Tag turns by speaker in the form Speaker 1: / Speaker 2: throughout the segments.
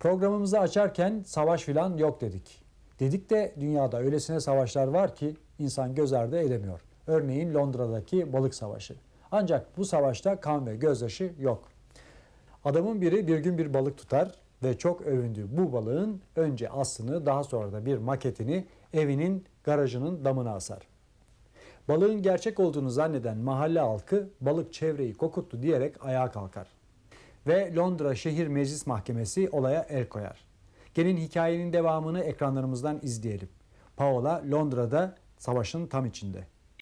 Speaker 1: Programımızı açarken savaş filan yok dedik. Dedik de dünyada öylesine savaşlar var ki insan göz ardı edemiyor. Örneğin Londra'daki balık savaşı. Ancak bu savaşta kan ve gözyaşı yok. Adamın biri bir gün bir balık tutar ve çok övündüğü bu balığın önce aslını daha sonra da bir maketini evinin garajının damına asar. Balığın gerçek olduğunu zanneden mahalle halkı balık çevreyi kokuttu diyerek ayağa kalkar. Ve Londra Şehir Meclis Mahkemesi olaya el koyar. Gelin hikayenin devamını ekranlarımızdan izleyelim. Paola Londra'da savaşın tam içinde.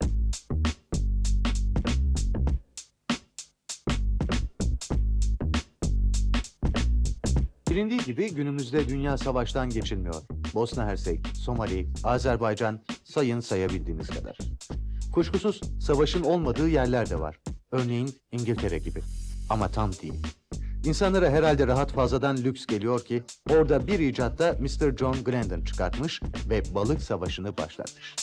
Speaker 2: Bilindiği gibi günümüzde dünya savaştan geçilmiyor. Bosna Hersek, Somali, Azerbaycan sayın sayabildiğiniz kadar. Kuşkusuz savaşın olmadığı yerler de var. Örneğin İngiltere gibi. Ama tam değil. İnsanlara herhalde rahat fazladan lüks geliyor ki orada bir icatta Mr. John Glendon çıkartmış ve balık savaşını başlatmış.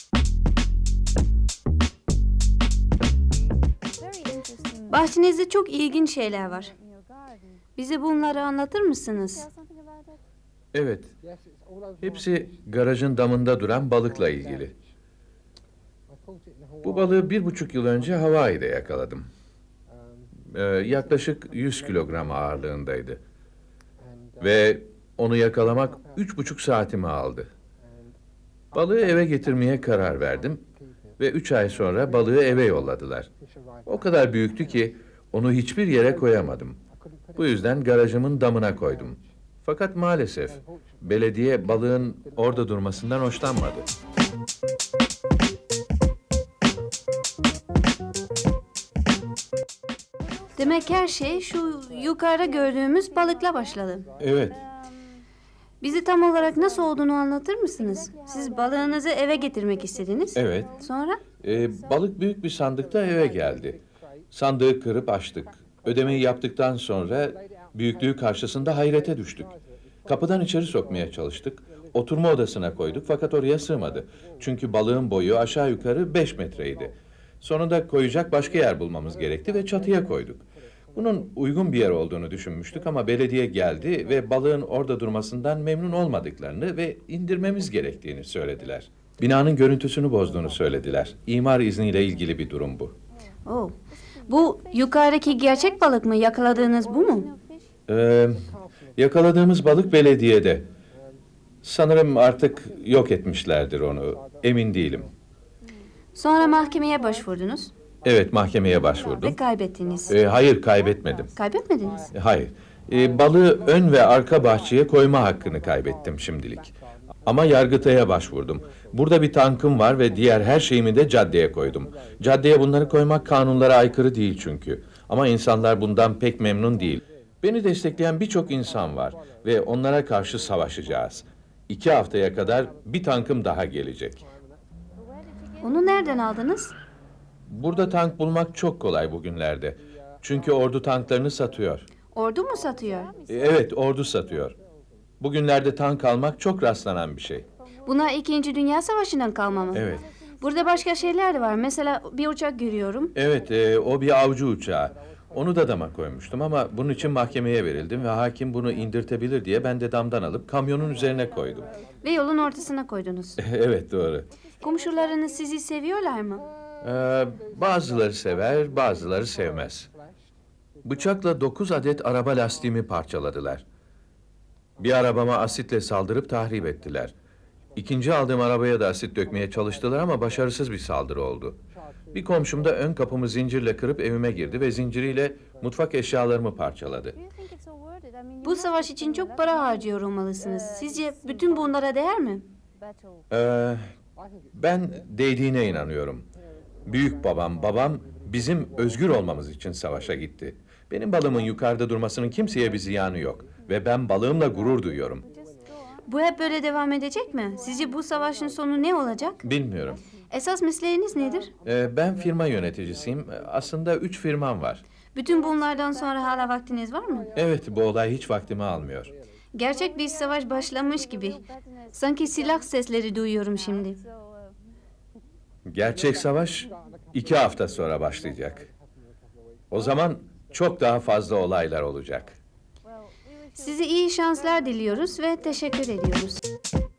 Speaker 3: Bahçenizde çok ilginç şeyler var. Bize bunları anlatır mısınız?
Speaker 4: Evet. Hepsi garajın damında duran balıkla ilgili. Bu balığı 1,5 yıl önce Hawaii'de yakaladım. Yaklaşık 100 kilogram ağırlığındaydı. Ve onu yakalamak 3,5 saatimi aldı. Balığı eve getirmeye karar verdim. Ve 3 ay sonra balığı eve yolladılar. O kadar büyüktü ki onu hiçbir yere koyamadım. Bu yüzden garajımın damına koydum. Fakat maalesef belediye balığın orada durmasından hoşlanmadı.
Speaker 3: Demek her şey şu yukarıda gördüğümüz balıkla başladı.
Speaker 4: Evet,
Speaker 3: Bizi tam olarak nasıl olduğunu anlatır mısınız? Siz balığınızı eve getirmek istediniz.
Speaker 4: evet.
Speaker 3: Sonra?
Speaker 4: Balık büyük bir sandıkta eve geldi. Sandığı kırıp açtık. Ödemeyi yaptıktan sonra büyüklüğü karşısında hayrete düştük. Kapıdan içeri sokmaya çalıştık. Oturma odasına koyduk fakat oraya sığmadı. Çünkü balığın boyu aşağı yukarı 5 metreydi. Sonunda koyacak başka yer bulmamız gerekti ve çatıya koyduk. Bunun uygun bir yer olduğunu düşünmüştük ama belediye geldi ve balığın orada durmasından memnun olmadıklarını ve indirmemiz gerektiğini söylediler. Binanın görüntüsünü bozduğunu söylediler. İmar izniyle ilgili bir durum bu.
Speaker 3: Oh. Bu yukarıdaki gerçek balık mı? Yakaladığınız bu mu?
Speaker 4: Yakaladığımız balık belediyede. Sanırım artık yok etmişlerdir onu. Emin değilim.
Speaker 3: Sonra mahkemeye başvurdunuz
Speaker 4: Evet, mahkemeye
Speaker 3: ve
Speaker 4: başvurdum.
Speaker 3: kaybettiniz.
Speaker 4: Hayır, kaybetmedim.
Speaker 3: Kaybetmediniz.
Speaker 4: Hayır. Balığı ön ve arka bahçeye koyma hakkını kaybettim şimdilik. Ama Yargıtay'a başvurdum. Burada bir tankım var ve diğer her şeyimi de caddeye koydum. Caddeye bunları koymak kanunlara aykırı değil çünkü. Ama insanlar bundan pek memnun değil. Beni destekleyen birçok insan var ve onlara karşı savaşacağız. 2 haftaya kadar bir tankım daha gelecek.
Speaker 3: Onu nereden aldınız?
Speaker 4: Burada tank bulmak çok kolay bugünlerde. Çünkü ordu tanklarını satıyor.
Speaker 3: Ordu mu satıyor?
Speaker 4: Evet, ordu satıyor. Bugünlerde tank almak çok rastlanan bir şey.
Speaker 3: Bunlar 2. Dünya Savaşı'ndan kalma mı?
Speaker 4: Evet.
Speaker 3: Burada başka şeyler de var. Mesela bir uçak görüyorum.
Speaker 4: Evet, o bir avcı uçağı. Onu da dama koymuştum ama bunun için mahkemeye verildim ve hakim bunu indirtebilir diye ben de damdan alıp kamyonun üzerine koydum.
Speaker 3: Ve yolun ortasına koydunuz.
Speaker 4: Evet, doğru.
Speaker 3: Komşularınız sizi seviyorlar mı?
Speaker 4: Bazıları sever, bazıları sevmez. Bıçakla 9 adet araba lastiğimi parçaladılar. Bir arabama asitle saldırıp tahrip ettiler. İkinci aldığım arabaya da asit dökmeye çalıştılar ama başarısız bir saldırı oldu. Bir komşum da ön kapımı zincirle kırıp evime girdi ve zinciriyle mutfak eşyalarımı parçaladı.
Speaker 3: Bu savaş için çok para harcıyor olmalısınız. Sizce bütün bunlara değer mi?
Speaker 4: Ben değdiğine inanıyorum. Büyük babam bizim özgür olmamız için savaşa gitti. Benim balığımın yukarıda durmasının kimseye bir ziyanı yok. Ve ben balığımla gurur duyuyorum.
Speaker 3: Bu hep böyle devam edecek mi? Sizce bu savaşın sonu ne olacak?
Speaker 4: Bilmiyorum.
Speaker 3: Esas mesleğiniz nedir?
Speaker 4: Ben firma yöneticisiyim. Aslında 3 firmam var.
Speaker 3: Bütün bunlardan sonra hala vaktiniz var mı?
Speaker 4: Evet, bu olay hiç vaktimi almıyor.
Speaker 3: Gerçek bir savaş başlamış gibi. Sanki silah sesleri duyuyorum şimdi.
Speaker 4: Gerçek savaş 2 hafta sonra başlayacak. O zaman çok daha fazla olaylar olacak.
Speaker 3: Size iyi şanslar diliyoruz ve teşekkür ediyoruz.